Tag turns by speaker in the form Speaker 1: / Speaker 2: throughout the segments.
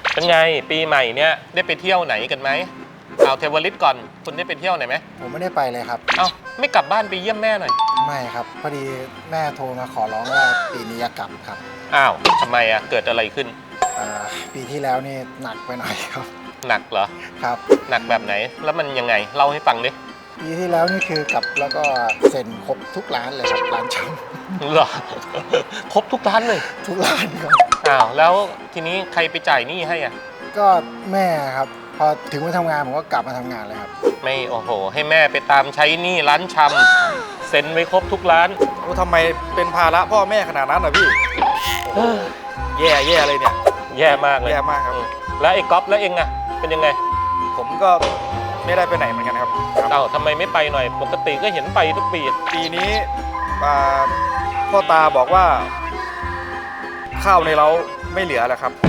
Speaker 1: เป็นไงปีใหม่เนี้ยได้ไปเที่ยวไหนกันไหมเอาเทวลิตก่อนคุณได้ไปเที่ยวไหนไหม
Speaker 2: ผมไม่ได้ไปเลยครับ
Speaker 1: เอ้าไม่กลับบ้านไปเยี่ยมแม่หน่อย
Speaker 2: ไม่ครับพอดีแม่โทรมาขอร้องว่าปีนี้จะกลับครับ
Speaker 1: อ้าวทำไมอะเกิดอะไรขึ้น
Speaker 2: ปีที่แล้วนี่หนักไปหน่อยครับ
Speaker 1: หนักเหรอ
Speaker 2: ครับ
Speaker 1: หนักแบบไหนแล้วมันยังไงเล่าให้ฟังดิ
Speaker 2: ปีที่แล้วนี่คือกลับแล้วก็เซ็นครบทุกร้านเลยครับร้านช
Speaker 1: เหรอ ครบทุกร้านเลย
Speaker 2: ทุกร้านครับ
Speaker 1: อ้าวแล้วทีนี้ใครไปจ่ายหนี้ให้อ่ะ
Speaker 2: ก็แม่ครับพอถึงวันทำงานผมก็กลับมาทำงานเลยครับ
Speaker 1: ไม่โอ้โหให้แม่ไปตามใช้หนี้ร้านชำเซ็นไว้ครบทุกร้าน
Speaker 3: โอ้ทำไมเป็นภาระพ่อแม่ขนาดนั้นอ่ะพี่แย่เลยเนี่ย
Speaker 1: แย่มากเลย
Speaker 3: แย่มากครับ
Speaker 1: แล้วไอ้ก๊อฟแล้วเองอะเป็นยังไง
Speaker 3: ผมก็ไม่ได้ไปไหนเหมือนกันครับ
Speaker 1: เอ้าทำไมไม่ไปหน่อยปกติก็เห็นไปทุกปี
Speaker 3: ปีนี้พ่อตาบอกว่าข้าวในเล้าไม่เหลือแล้วครับ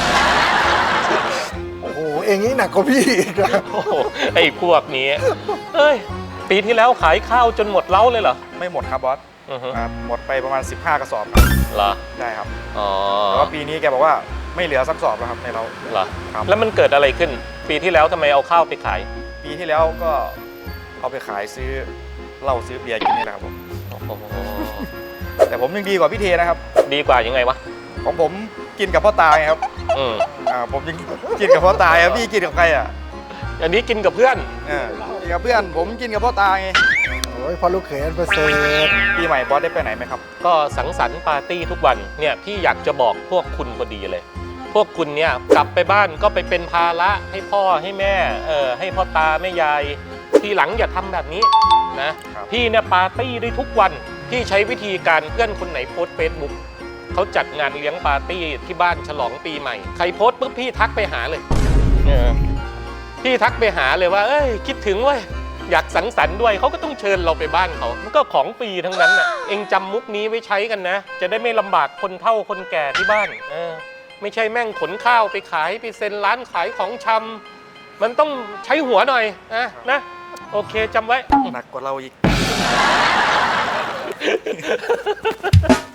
Speaker 2: โอ้โหเองนี่หนักกว่าพี่อีกนะ
Speaker 1: โอ้โหไอ้พวกนี้เอ้ยปีที่แล้วขายข้าวจนหมดเล้าเลยเหรอ
Speaker 3: ไม่หมดครับบอสหมดไปประมาณ15 กระสอบ
Speaker 1: เหรอ
Speaker 3: ได้ครับ
Speaker 1: อ๋อ
Speaker 3: แต่ว่าปีนี้แกบอกว่าไม่เหลือสักสอบแล้วครับในเล้า
Speaker 1: เหรอครับแล้วมันเกิดอะไรขึ้นปีที่แล้วทำไมเอาข้าวไปขาย
Speaker 3: ปีที่แล้วก็เอาไปขายซื้อเหล้าซื้อเบียร์กินนี่แหละครับผมแต่ผมยังดีกว่าพี่เทนะครับ
Speaker 1: ดีกว่ายังไงวะ
Speaker 3: ของผมกินกับพ่อตาไงครับผมยังกินกับพ่อตาครับพี่กินกับใครอ่ะ
Speaker 1: อันนี้กินกับเพื่อน
Speaker 3: กินกับเพื่อนผมกินกับพ่อตาไง
Speaker 2: โอ้ยพอลูกเขยอันประเสริฐ
Speaker 3: ปีใหม่บอสได้ไปไหนไหมครับ
Speaker 1: ก็สังสรรค์ปาร์ตี้ทุกวันเนี่ยพี่อยากจะบอกพวกคุณพอดีเลยพวกคุณเนี่ยกลับไปบ้านก็ไปเป็นภาระให้พ่อให้แม่ให้พ่อตาแม่ยายทีหลังอย่าทำแบบนี้นะพี่เนี่ยปาร์ตี้ได้ทุกวันพี่ใช้วิธีการเพื่อนคนไหนโพสเฟซบุ๊กเขาจัดงานเลี้ยงปาร์ตี้ที่บ้านฉลองปีใหม่ใครโพสปุ๊บพี่ทักไปหาเลยพี่ทักไปหาเลยว่าเอ้ยคิดถึงเว้ยอยากสังสรรค์ด้วยเขาก็ต้องเชิญเราไปบ้านเขามันก็ของฟรีทั้งนั้นน่ะเองจำมุกนี้ไว้ใช้กันนะจะได้ไม่ลำบากคนเฒ่าคนแก่ที่บ้านไม่ใช่แม่งขนข้าวไปขายไปเซ็นร้านขายของชำมันต้องใช้หัวหน่อยนะโอเคจำไว้
Speaker 3: หนักกว่าเราอีก